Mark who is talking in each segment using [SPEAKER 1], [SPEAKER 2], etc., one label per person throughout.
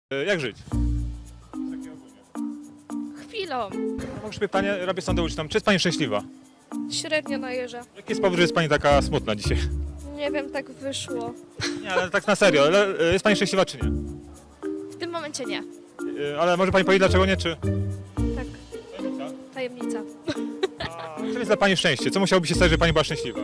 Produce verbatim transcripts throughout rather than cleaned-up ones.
[SPEAKER 1] E, Jak żyć?
[SPEAKER 2] Chwilą.
[SPEAKER 1] Mogę pytanie, robię sondę uliczną. Czy jest Pani szczęśliwa?
[SPEAKER 2] Średnio najeżdża.
[SPEAKER 1] Jaki jest powód, że jest Pani taka smutna dzisiaj?
[SPEAKER 2] Nie wiem, tak wyszło.
[SPEAKER 1] Nie, ale tak na serio. Ale e, jest Pani szczęśliwa czy nie?
[SPEAKER 2] W tym momencie nie.
[SPEAKER 1] E, Ale może Pani powiedzieć dlaczego nie, czy?
[SPEAKER 2] Tak, tajemnica.
[SPEAKER 1] A czym jest dla Pani szczęście? Co musiałoby się stać, żeby Pani była szczęśliwa?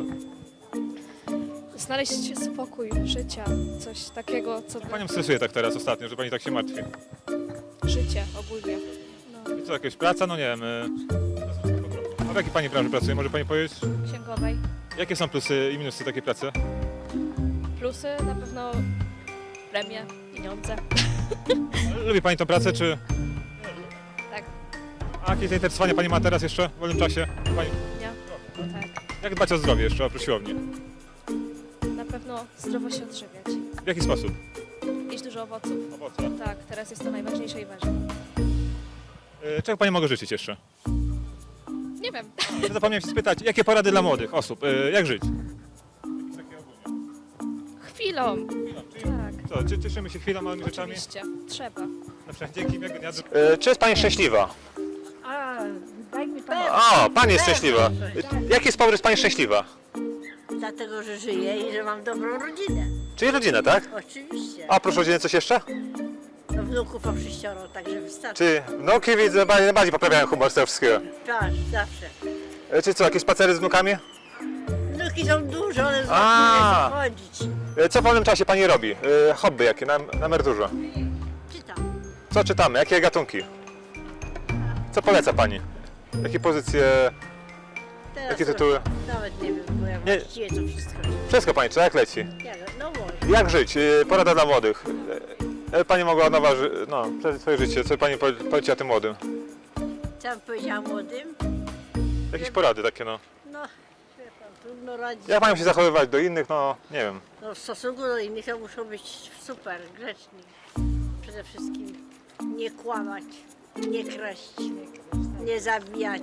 [SPEAKER 2] Znaleźć spokój życia. Coś takiego, co by...
[SPEAKER 1] Panią stresuje tak teraz ostatnio, że Pani tak się martwi.
[SPEAKER 2] Życie ogólnie. No,
[SPEAKER 1] I co, jakaś praca? No nie wiem. e, A w jakiej Pani branży pracuje? Może Pani powiedzieć?
[SPEAKER 2] księgowej.
[SPEAKER 1] Jakie są plusy i minusy takiej pracy?
[SPEAKER 2] Plusy na pewno premie, pieniądze.
[SPEAKER 1] Lubi Pani tą pracę, czy...
[SPEAKER 2] Tak,
[SPEAKER 1] A jakie zainteresowania Pani ma teraz jeszcze w wolnym czasie? Pani...
[SPEAKER 2] nie? Tak.
[SPEAKER 1] Jak dbać o zdrowie jeszcze, oprócz siłowni?
[SPEAKER 2] Na pewno zdrowo się odżywiać.
[SPEAKER 1] W jaki sposób?
[SPEAKER 2] Jeść dużo owoców.
[SPEAKER 1] Owoce.
[SPEAKER 2] Tak, teraz jest to najważniejsze i ważne.
[SPEAKER 1] E, Czego Pani mogę życzyć jeszcze?
[SPEAKER 2] Nie wiem.
[SPEAKER 1] Zapomniałem się spytać, jakie porady dla młodych osób? E, Jak żyć?
[SPEAKER 2] Chwilą. Tak,
[SPEAKER 1] Co, cie- cieszymy się chwilą, małymi rzeczami?
[SPEAKER 2] oczywiście. Trzeba.
[SPEAKER 1] Na przykład dzięki miłego dnia. E, Czy jest Pani szczęśliwa?
[SPEAKER 3] A, daj mi pan.
[SPEAKER 1] O, Pani jest szczęśliwa. E, Jaki jest powód, że jest Pani szczęśliwa?
[SPEAKER 3] Dlatego, że żyję i że mam dobrą rodzinę.
[SPEAKER 1] Czyli rodzinę, tak?
[SPEAKER 3] Oczywiście.
[SPEAKER 1] A oprócz rodziny coś jeszcze?
[SPEAKER 3] No, wnuków mam sześcioro, także wystarczy.
[SPEAKER 1] Czy wnuki widzę, bardziej bardziej poprawiają humor z tego wszystkiego?
[SPEAKER 3] Tak, zawsze.
[SPEAKER 1] E, Czy co, jakieś spacery z wnukami?
[SPEAKER 3] Wnuki są duże, one z
[SPEAKER 1] A.
[SPEAKER 3] nie chodzić.
[SPEAKER 1] E, Co w wolnym czasie Pani robi? E, Hobby jakie na, na emeryturze?
[SPEAKER 3] Czytam.
[SPEAKER 1] Co czytamy? Jakie gatunki? Co poleca Pani? Jakie pozycje,
[SPEAKER 3] Teraz
[SPEAKER 1] jakie
[SPEAKER 3] to
[SPEAKER 1] tytuły?
[SPEAKER 3] Nawet nie wiem, bo ja
[SPEAKER 1] Nie.
[SPEAKER 3] właściwie to wszystko.
[SPEAKER 1] Wszystko Pani, czy jak leci?
[SPEAKER 3] Ja, no może.
[SPEAKER 1] Jak żyć? E, Porada dla młodych. E, Pani mogła nowa, ży- no, przeżyć swoje życie. Co Pani powie- poleciła tym młodym?
[SPEAKER 3] Co bym powiedziała młodym?
[SPEAKER 1] Jakieś porady takie, no.
[SPEAKER 3] No, wie pan, trudno radzić.
[SPEAKER 1] Jak mają się zachowywać do innych, no, nie wiem.
[SPEAKER 3] No, w stosunku do innych to muszą być super, grzeczni. Przede wszystkim nie kłamać, nie kraść, nie zabijać.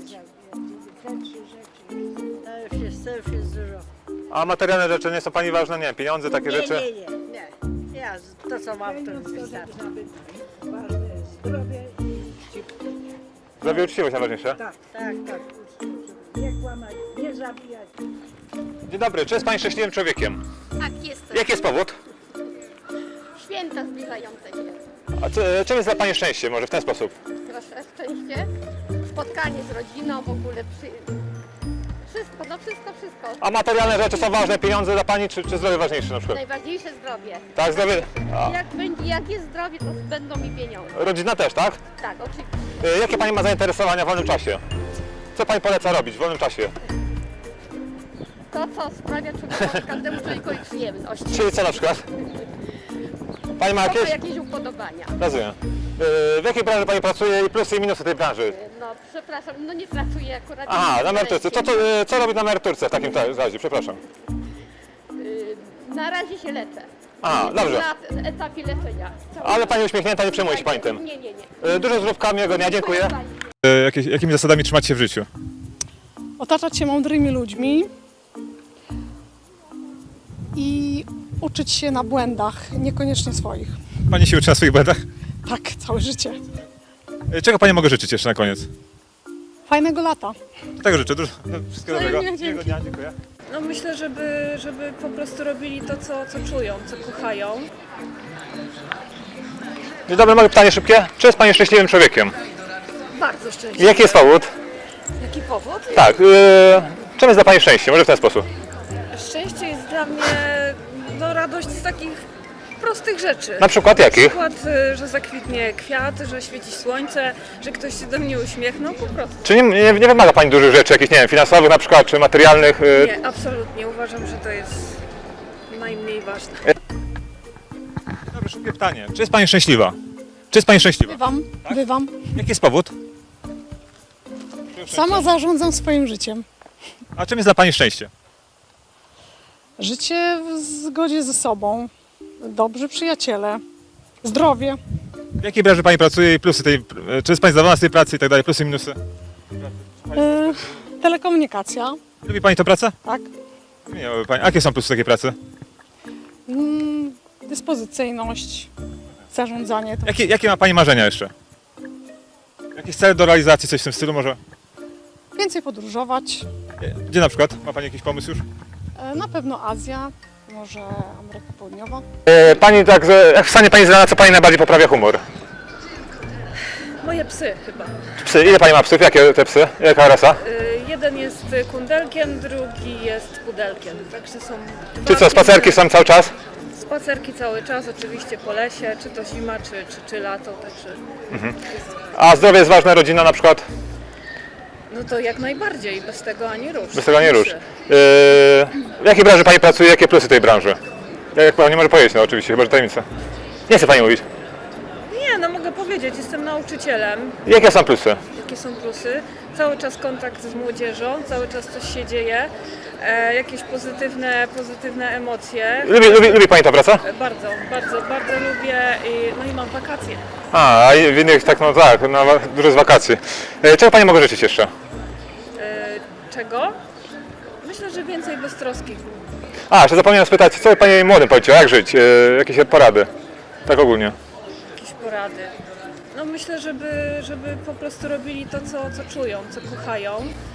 [SPEAKER 3] To już jest, to już jest dużo.
[SPEAKER 1] A materialne rzeczy nie są Pani ważne? Nie wiem, pieniądze, takie
[SPEAKER 3] Nie,
[SPEAKER 1] rzeczy?
[SPEAKER 3] nie, nie, nie. Ja z- to co mam, to już wystarczy.
[SPEAKER 4] Zdrowie
[SPEAKER 1] Zdrowie i uczciwość najważniejsze.
[SPEAKER 4] tak,
[SPEAKER 3] Tak, tak.
[SPEAKER 4] nie kłamać, nie zabijać.
[SPEAKER 1] Dzień dobry, czy jest Pani szczęśliwym człowiekiem?
[SPEAKER 5] Tak, jestem.
[SPEAKER 1] Jaki jest powód?
[SPEAKER 5] Święta zbliżające się.
[SPEAKER 1] A co, czym jest dla Pani szczęście? Może w ten sposób?
[SPEAKER 5] Proszę, szczęście, spotkanie z rodziną, w ogóle przy... Wszystko, no wszystko, wszystko.
[SPEAKER 1] A materialne rzeczy są ważne, pieniądze dla Pani, czy, czy zdrowie ważniejsze na przykład?
[SPEAKER 5] Najważniejsze zdrowie.
[SPEAKER 1] Tak, zdrowie. A,
[SPEAKER 5] Jak będzie, jak jest zdrowie, to będą mi pieniądze.
[SPEAKER 1] rodzina też, tak?
[SPEAKER 5] Tak, oczywiście.
[SPEAKER 1] E, Jakie Pani ma zainteresowania w wolnym czasie? Co Pani poleca robić w wolnym czasie?
[SPEAKER 5] To, co sprawia człowiekowi, każdemu człowiekowi przyjemność.
[SPEAKER 1] Czyli co na przykład? Pani ma
[SPEAKER 5] To ma
[SPEAKER 1] jakieś?
[SPEAKER 5] jakieś upodobania.
[SPEAKER 1] Rozumiem. E, W jakiej branży Pani pracuje i plusy i minusy tej branży?
[SPEAKER 5] No, przepraszam, no nie pracuję akurat.
[SPEAKER 1] Aha,
[SPEAKER 5] nie
[SPEAKER 1] na emeryturce. Co, to, e, co robi na emeryturce w takim ta- razie? Przepraszam.
[SPEAKER 5] Y, Na razie się leczę.
[SPEAKER 1] A, dobrze.
[SPEAKER 5] Na etapie leczenia. Cały
[SPEAKER 1] Ale
[SPEAKER 5] czas.
[SPEAKER 1] Pani uśmiechnięta, nie przejmuje się Pani tym.
[SPEAKER 5] Nie, nie, nie.
[SPEAKER 1] E, Dużo zdrówka, miłego dnia, dziękuję.
[SPEAKER 5] Pani.
[SPEAKER 1] E, Jakimi zasadami trzymać się w życiu?
[SPEAKER 6] Otaczać się mądrymi ludźmi i uczyć się na błędach, niekoniecznie swoich.
[SPEAKER 1] Pani się uczy na swoich błędach?
[SPEAKER 6] Tak, całe życie.
[SPEAKER 1] E, Czego Pani mogę życzyć jeszcze na koniec?
[SPEAKER 6] Fajnego lata.
[SPEAKER 1] Tego życzę. Dużo, wszystkiego dobrego.
[SPEAKER 6] Wzajemnie, dzięki.
[SPEAKER 1] Miłego dnia, dziękuję.
[SPEAKER 7] No myślę, żeby, żeby po prostu robili to, co, co czują, co kochają.
[SPEAKER 1] Dzień dobry, mogę pytanie szybkie? Czy jest Pani szczęśliwym człowiekiem?
[SPEAKER 7] Bardzo
[SPEAKER 1] I
[SPEAKER 7] szczęśliwie.
[SPEAKER 1] jaki jest powód?
[SPEAKER 7] Jaki powód?
[SPEAKER 1] Tak. E, czym jest dla Pani szczęście? Może w ten sposób.
[SPEAKER 7] Szczęście jest dla mnie no, radość z takich prostych rzeczy.
[SPEAKER 1] Na przykład
[SPEAKER 7] Na
[SPEAKER 1] jakich?
[SPEAKER 7] przykład, y, że zakwitnie kwiat, że świeci słońce, że ktoś się do mnie uśmiechnął, po prostu.
[SPEAKER 1] Czy nie, nie, nie wymaga Pani dużych rzeczy, jakichś, nie wiem, finansowych na przykład, czy materialnych? e,
[SPEAKER 7] Nie, absolutnie. Uważam, że to jest najmniej ważne.
[SPEAKER 1] Dobrze, szybkie pytanie. Czy jest Pani szczęśliwa? Czy jest Pani szczęśliwa?
[SPEAKER 6] Bywam, bywam.
[SPEAKER 1] Jaki jest powód?
[SPEAKER 6] Sama zarządzam swoim życiem.
[SPEAKER 1] A czym jest dla Pani szczęście?
[SPEAKER 6] Życie w zgodzie ze sobą, dobrzy przyjaciele, zdrowie.
[SPEAKER 1] W jakiej branży Pani pracuje i plusy tej... e, Czy jest Pani zadowolona z tej pracy i tak dalej, plusy i minusy?
[SPEAKER 6] Yy, telekomunikacja,
[SPEAKER 1] Lubi Pani tę pracę?
[SPEAKER 6] tak.
[SPEAKER 1] Nie, lubi Pani. A jakie są plusy takiej pracy?
[SPEAKER 6] Mm, dyspozycyjność, zarządzanie. To
[SPEAKER 1] Jakie, jakie ma pani marzenia jeszcze? Jakieś cele do realizacji, coś w tym stylu może?
[SPEAKER 6] więcej podróżować.
[SPEAKER 1] Gdzie na przykład? Ma pani jakiś pomysł już?
[SPEAKER 6] E, Na pewno Azja, może Ameryka Południowa.
[SPEAKER 1] E, pani także, jak wstanie pani z rana, co pani najbardziej poprawia humor?
[SPEAKER 7] Moje psy chyba.
[SPEAKER 1] Psy, ile pani ma psów? Jakie te psy? Jaka rasa?
[SPEAKER 7] Y, jeden jest kundelkiem, drugi jest pudelkiem. Także są
[SPEAKER 1] Czy
[SPEAKER 7] dwa
[SPEAKER 1] co, spacerki
[SPEAKER 7] inne-
[SPEAKER 1] są cały czas?
[SPEAKER 7] Spacerki cały czas, oczywiście po lesie, czy to zima, czy, czy, czy lato, także
[SPEAKER 1] A zdrowie jest ważne, rodzina na przykład?
[SPEAKER 7] no to jak najbardziej, bez tego ani rusz.
[SPEAKER 1] Bez tego nie rusz.
[SPEAKER 7] Psy.
[SPEAKER 1] Yy, w jakiej branży pani pracuje? Jakie plusy tej branży? Jak pani nie może powiedzieć, no oczywiście, chyba że tajemnica. Nie chce pani mówić.
[SPEAKER 7] Nie, no mogę powiedzieć, jestem nauczycielem.
[SPEAKER 1] Jakie są plusy?
[SPEAKER 7] Jakie są plusy? Cały czas kontakt z młodzieżą, cały czas coś się dzieje, e, jakieś pozytywne, pozytywne emocje.
[SPEAKER 1] Lubi, lubi, lubi pani tę pracę?
[SPEAKER 7] E, Bardzo, bardzo, bardzo lubię i, no i mam wakacje.
[SPEAKER 1] A, a w innych tak, no tak, no, dużo z wakacji. E, czego pani mogę życzyć jeszcze?
[SPEAKER 7] E, czego? Myślę, że więcej beztroski.
[SPEAKER 1] A, jeszcze zapomniałem spytać, co by pani młodym powiedział, jak żyć? E, jakieś porady? Tak ogólnie.
[SPEAKER 7] Jakieś porady. No myślę, żeby, żeby po prostu robili to, co, co czują, co kochają.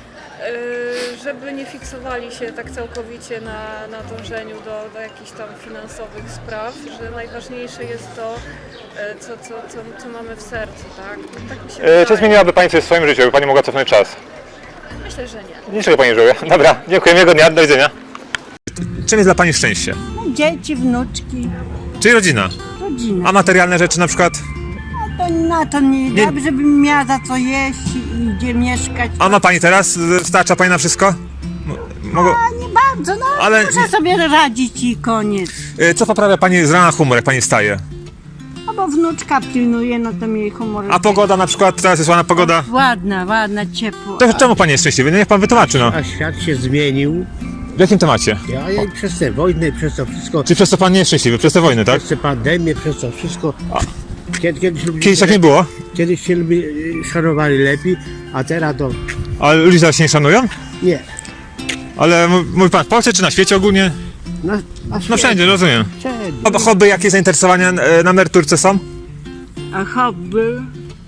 [SPEAKER 7] Yy, żeby nie fiksowali się tak całkowicie na, na dążeniu do, do jakichś tam finansowych spraw, że najważniejsze jest to, yy, co, co, co, co mamy w sercu, tak? Tak mi się
[SPEAKER 1] E,
[SPEAKER 7] wydaje.
[SPEAKER 1] czy zmieniłaby pani coś w swoim życiu, by pani mogła cofnąć czas?
[SPEAKER 7] Myślę, że nie.
[SPEAKER 1] Niczego pani nie żałuje. Dobra, dziękuję, miłego dnia, do widzenia. Czym jest dla pani szczęście?
[SPEAKER 4] Dzieci, wnuczki,
[SPEAKER 1] Czyli rodzina.
[SPEAKER 4] rodzina.
[SPEAKER 1] A materialne rzeczy na przykład?
[SPEAKER 4] To na to nie,
[SPEAKER 1] Nie-
[SPEAKER 4] dobrze bym miała za co jeść i gdzie mieszkać.
[SPEAKER 1] A ma pani teraz? Starcza pani na wszystko? M- Mogę...
[SPEAKER 4] A nie bardzo, no
[SPEAKER 1] Ale-
[SPEAKER 4] muszę sobie radzić i koniec.
[SPEAKER 1] E, Co poprawia pani z rana humor, jak pani wstaje?
[SPEAKER 4] A bo wnuczka pilnuje, no to mi humor.
[SPEAKER 1] A pogoda na przykład, teraz jest ładna pogoda.
[SPEAKER 4] Ładna, ładna, ciepło.
[SPEAKER 1] To czemu pani jest szczęśliwy? No niech pan wytłumaczy, no.
[SPEAKER 8] A świat się zmienił,
[SPEAKER 1] W jakim temacie?
[SPEAKER 8] ja, ja przez tę wojnę, przez to wszystko,
[SPEAKER 1] Czy przez to pan nie jest szczęśliwy? Przez tę wojnę, tak?
[SPEAKER 8] przez tę pandemię, przez to wszystko. Kiedy, kiedyś, ludzie,
[SPEAKER 1] Kiedyś tak nie było,
[SPEAKER 8] kiedyś się lubi, szanowali lepiej, a teraz to
[SPEAKER 1] ale ludzie teraz się nie szanują?
[SPEAKER 8] nie.
[SPEAKER 1] Ale m- mówi pan w Polsce czy na świecie ogólnie?
[SPEAKER 8] No, a
[SPEAKER 1] No wszędzie, rozumiem.
[SPEAKER 8] wszędzie.
[SPEAKER 1] Ob- Hobby, jakie zainteresowania e, na emeryturce są?
[SPEAKER 4] A hobby?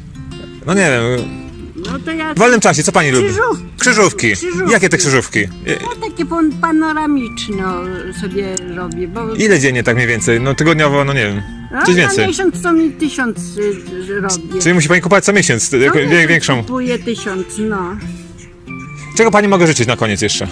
[SPEAKER 1] No nie wiem,
[SPEAKER 4] No to ja
[SPEAKER 1] w wolnym czasie, co pani lubi?
[SPEAKER 4] Krzyżówki.
[SPEAKER 1] Krzyżówki.
[SPEAKER 4] Krzyżówki.
[SPEAKER 1] Jakie te krzyżówki? E,
[SPEAKER 4] no, takie pan- panoramiczne sobie robię, bo
[SPEAKER 1] Ile dziennie tak mniej więcej? No tygodniowo, no nie wiem.
[SPEAKER 4] no,
[SPEAKER 1] Coś
[SPEAKER 4] na
[SPEAKER 1] więcej.
[SPEAKER 4] miesiąc to mi tysiąc y, robię.
[SPEAKER 1] Czyli musi pani kupować co miesiąc,
[SPEAKER 4] No,
[SPEAKER 1] jako- wie-
[SPEAKER 4] miesiąc
[SPEAKER 1] większą.
[SPEAKER 4] Kupuję tysiąc, no.
[SPEAKER 1] Czego pani mogę życzyć na koniec jeszcze?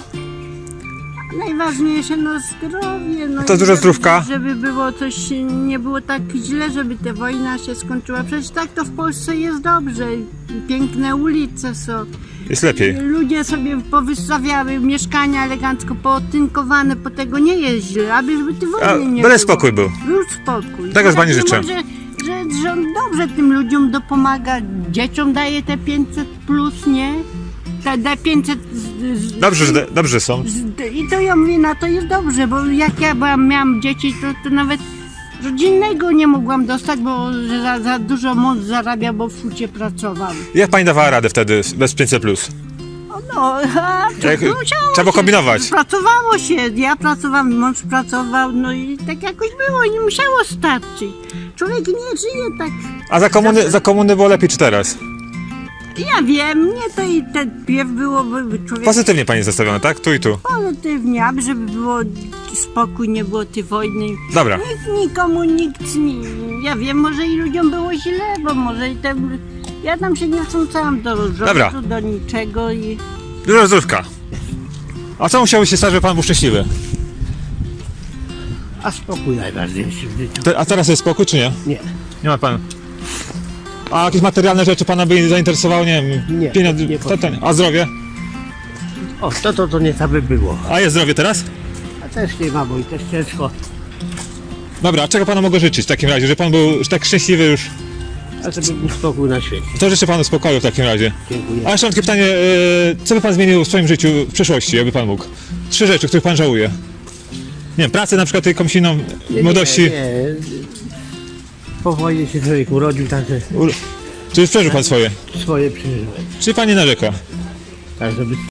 [SPEAKER 4] Najważniejsze, no zdrowie, no
[SPEAKER 1] To
[SPEAKER 4] i
[SPEAKER 1] dużo
[SPEAKER 4] żeby-
[SPEAKER 1] zdrówka.
[SPEAKER 4] Żeby było coś, nie było tak źle, żeby ta wojna się skończyła. Przecież tak to w Polsce jest dobrze. Piękne ulice są.
[SPEAKER 1] Jest lepiej.
[SPEAKER 4] Ludzie sobie powystawiały mieszkania elegancko pootynkowane, po tego nie jest źle, aby żeby ty
[SPEAKER 1] A,
[SPEAKER 4] wojny nie
[SPEAKER 1] byle
[SPEAKER 4] było.
[SPEAKER 1] spokój był.
[SPEAKER 4] Był spokój.
[SPEAKER 1] Tego z pani
[SPEAKER 4] Ja
[SPEAKER 1] życzę.
[SPEAKER 4] Że, że, że on dobrze tym ludziom dopomaga, dzieciom daje te pięćset plus, nie? Te, te pięćset z, z,
[SPEAKER 1] Dobrze, że, dobrze są.
[SPEAKER 4] z, I to ja mówię, na to jest dobrze, bo jak ja byłam, miałam dzieci, to, to nawet rodzinnego nie mogłam dostać, bo że za, za dużo mąż zarabia, bo w fucie pracował.
[SPEAKER 1] Jak pani dawała radę wtedy bez pięćset plus?
[SPEAKER 4] O, No, a to
[SPEAKER 1] Jak-
[SPEAKER 4] musiało
[SPEAKER 1] trzeba było
[SPEAKER 4] się,
[SPEAKER 1] kombinować.
[SPEAKER 4] Pracowało się, ja pracowałam, mąż pracował, no i tak jakoś było, nie musiało starczyć. Człowiek nie żyje tak,
[SPEAKER 1] A za komuny, za komuny było lepiej czy teraz?
[SPEAKER 4] ja wiem, nie to i ten piew było, by człowiek
[SPEAKER 1] Pozytywnie pani jest zastawiona, tak? Tu i tu.
[SPEAKER 4] pozytywnie, aby żeby było spokój, nie było tej wojny.
[SPEAKER 1] Dobra.
[SPEAKER 4] Nikt nikomu, nikt nie, ja wiem, może i ludziom było źle, bo może i ten, ja tam się nie wtrącałam do rządu,
[SPEAKER 1] Dobra.
[SPEAKER 4] do niczego i...
[SPEAKER 1] Dużo zdrówka. A co musiało się stać, żeby pan był szczęśliwy?
[SPEAKER 8] A spokój najważniejszy w życiu.
[SPEAKER 1] Te, a teraz jest spokój, czy nie?
[SPEAKER 8] Nie.
[SPEAKER 1] Nie ma pan. A jakieś materialne rzeczy pana by zainteresowały? Nie wiem,
[SPEAKER 8] Nie,
[SPEAKER 1] pieniądze,
[SPEAKER 8] nie
[SPEAKER 1] to, to, a zdrowie?
[SPEAKER 8] O, to to, to nie tak by było.
[SPEAKER 1] A jest zdrowie teraz?
[SPEAKER 8] A też nie ma, bo i też ciężko.
[SPEAKER 1] Dobra, a czego panu mogę życzyć w takim razie, żeby pan był tak szczęśliwy już?
[SPEAKER 8] A żeby był spokój na świecie.
[SPEAKER 1] To życzę panu spokoju w takim razie.
[SPEAKER 8] Dziękuję.
[SPEAKER 1] A jeszcze mam takie pytanie, e, co by pan zmienił w swoim życiu w przyszłości, jakby pan mógł? Trzy rzeczy, których pan żałuje. Nie wiem, pracę na przykład jakąś inną,
[SPEAKER 8] Nie,
[SPEAKER 1] młodości.
[SPEAKER 8] Nie, nie. Po wojnie się człowiek urodził, także
[SPEAKER 1] U- Czy już przeżył pan swoje?
[SPEAKER 8] swoje przeżyłem.
[SPEAKER 1] Czy pan nie narzeka?
[SPEAKER 8] Tak, żeby